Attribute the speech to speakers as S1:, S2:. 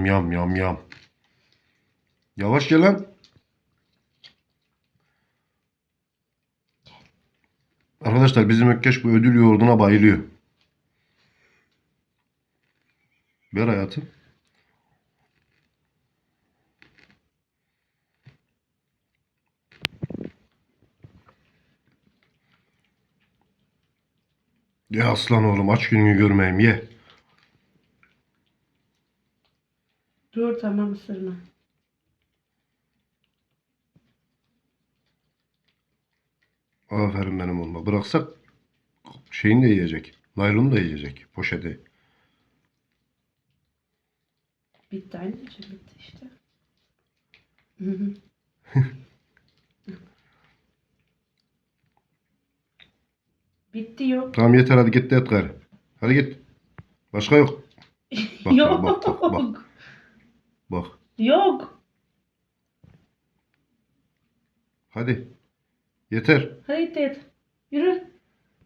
S1: Yam yam yam yam. Yavaş gel lan. Arkadaşlar bizim Ökkeş bu ödül yoğurduna bayılıyor. Ver hayatım. Ye aslan oğlum, aç gününü görmeyeyim, ye.
S2: Dur tamam, ısırma.
S1: Aferin benim oğluma. Bıraksak şeyini de yiyecek. Naylonu da yiyecek. Poşeti.
S2: Bitti anneciğim, bitti işte. Hı hı. Bitti, yok.
S1: Tamam yeter, hadi git de et gayrı. Hadi git. Başka yok. Bak
S2: Yok.
S1: bak. Bak.
S2: Yok.
S1: Hadi. Yeter.
S2: Hadi git et. Yürü.